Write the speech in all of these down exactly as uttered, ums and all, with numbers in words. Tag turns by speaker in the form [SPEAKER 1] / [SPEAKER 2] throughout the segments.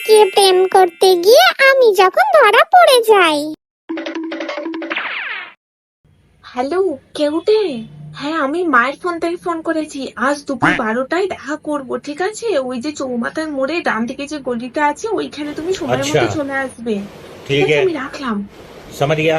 [SPEAKER 1] লুকিয়ে প্রেম করতে গিয়ে আমি যখন ধরা পড়ে যাই।
[SPEAKER 2] হ্যালো, কেউটে? হ্যাঁ, আমি মায়ের ফোন থেকে ফোন করেছি। আজ দুপুর বারোটায় দেখা করব, ঠিক আছে? ওই যে চৌমাথার মোড়ে ডান দিকে যে গলিটা আছে ওইখানে তুমি সময়ের
[SPEAKER 3] আচ্ছা,
[SPEAKER 2] মধ্যে চলে আসবে। ঠিক
[SPEAKER 3] ठीक
[SPEAKER 2] আছে,
[SPEAKER 3] है,
[SPEAKER 2] আমি রাখলাম।
[SPEAKER 3] समझ गया।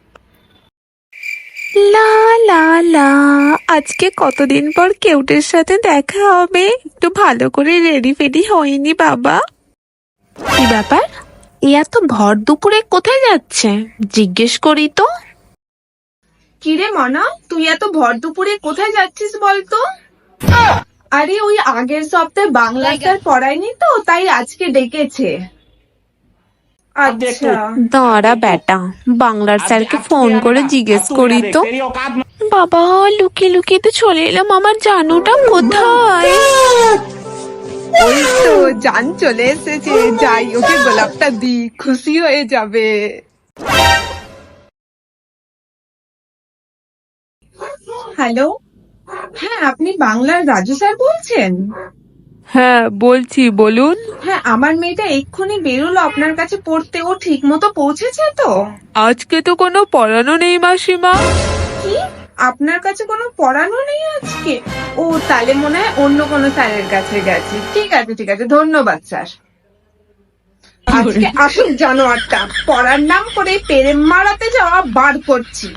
[SPEAKER 4] লা লা লা, আজকে কতদিন পর কেউটের সাথে দেখা হবে। একটু ভালো করে রেডি ফেডি হয়নি বাবা। কি ব্যাপার, এ এত ভর দুপুরে কোথায় যাচ্ছে? জিজ্ঞেস করি তো।
[SPEAKER 2] কিরে মনা, তুই এত ভর দুপুরে কোথায় যাচ্ছিস বলতো? আরে ওই আগের সপ্তাহে বাংলা স্যার পড়ায়নি তো, তাই আজকে ডেকেছে। আচ্ছা,
[SPEAKER 4] দাঁড়া বেটা, বাংলার স্যারকে ফোন করে জিজ্ঞেস করি তো। বাবা, লুকিয়ে লুকিয়ে তো চলে এলাম, আমার জানুটা কোথায়?
[SPEAKER 5] ওই তো জান চলে এসেছে, যাই ওকে গোলাপটা দি, খুশি হয়ে যাবে।
[SPEAKER 2] হ্যালো। হ্যাঁ, আপনি বাংলার রাজু স্যার বলছেন?
[SPEAKER 4] হ্যাঁ বলছি, বলুন।
[SPEAKER 2] হ্যাঁ, আমার মেয়েটা এক্ষুনি বেরোলো আপনার কাছে পড়তে। ও ঠিক মতো পৌঁছেছে তো?
[SPEAKER 4] আজকে তো কোনো পড়ানো নেই মাসিমা।
[SPEAKER 2] কি, আপনার কাছে কোনো পড়ানো নেই আজকে? ও তাহলে মনে হয় অন্য কোনো স্যারের কাছে গেছে। ঠিক আছে ঠিক আছে, ধন্যবাদ স্যার। আজকে আসুক জানোয়ারটা, পড়ার নাম করে প্রেম মারাতে যাওয়া বার করছি।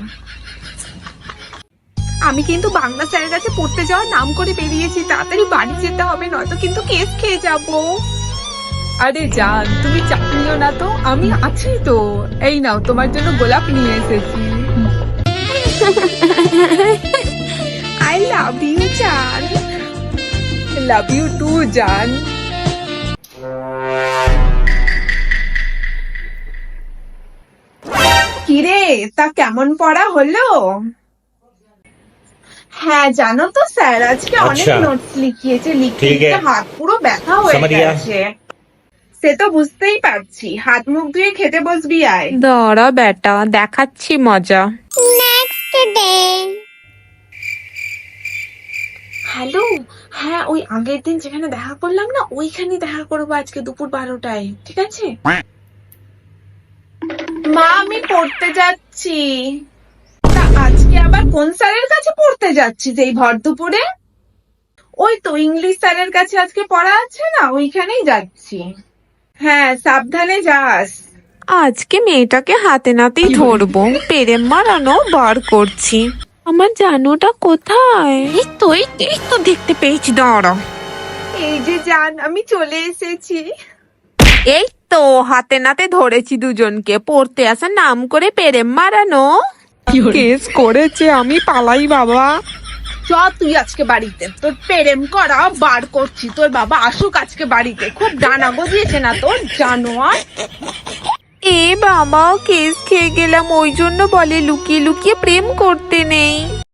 [SPEAKER 2] আমি কিন্তু বাংলা স্যারের কাছে পড়তে যাওয়ার নাম করে বেরিয়েছি, তাড়াতাড়ি বাড়ি যেতে হবে, নয়তো কিন্তু কেস খেয়ে যাবো।
[SPEAKER 5] আরে জান, তুমি চাপ নিও না তো, আমি আছি তো। এই নাও, তোমার জন্য গোলাপ নিয়ে এসেছি।
[SPEAKER 2] আই লাভ ইউ জান।
[SPEAKER 5] লাভ ইউ টু জান।
[SPEAKER 2] কিরে, তা কেমন পড়া হলো? হ্যাঁ জানো তো স্যার আজকে অনেক
[SPEAKER 3] আচ্ছা,
[SPEAKER 2] নোটস লিখিয়েছে, লিখতে
[SPEAKER 3] ঠিক
[SPEAKER 2] লিখতে
[SPEAKER 3] है,
[SPEAKER 2] হাত পুরো ব্যথা হয়ে
[SPEAKER 3] समझ गया।
[SPEAKER 2] গেছে। সে তো বুঝতেই পারছি, হাত মুখ ধুয়ে খেতে বসবি আয়।
[SPEAKER 4] দাঁড়া বেটা, দেখাচ্ছি মজা।
[SPEAKER 1] Next day.
[SPEAKER 2] হ্যালো। হ্যাঁ, ওই আগের দিন যেখানে দেখা করলাম না, ওইখানে দেখা করবো আজকে দুপুর বারোটায়, ঠিক আছে? মা, আমি পড়তে যাচ্ছি। তা আজকে আবার কোন স্যারের কাছে পড়তে যাচ্ছিস এই ভর দুপুরে? ওই তো ইংলিশ স্যারের কাছে আজকে পড়া আছে না, ওইখানেই যাচ্ছি। হ্যাঁ, সাবধানে যাস।
[SPEAKER 4] আজকে মেয়েটাকে হাতে নাতেই ধরবো, প্রেম মারানো বার করছি। আমার জানুটা কোথায়? এই তো এই তো, এই তো দেখতে পেয়েছি, দাঁড়া।
[SPEAKER 2] এই যে জান, আমি চলে এসেছি।
[SPEAKER 4] এই তো হাতে নাতে ধরেছি দুজনকে, পড়তে আসার নাম করে প্রেম মারানো।
[SPEAKER 5] কেস করেছে, আমি পালাই বাবা।
[SPEAKER 2] চ তুই আজকে বাড়িতে, তোর প্রেম করা বার করছি। তোর বাবা আসুক আজকে বাড়িতে, খুব ডানা গজিয়েছে না তোর, জানোয়ার।
[SPEAKER 4] এ বাবা, কেস খেয়ে গেলাম, ওই জন্য বলে লুকিয়ে লুকিয়ে প্রেম করতে নেই।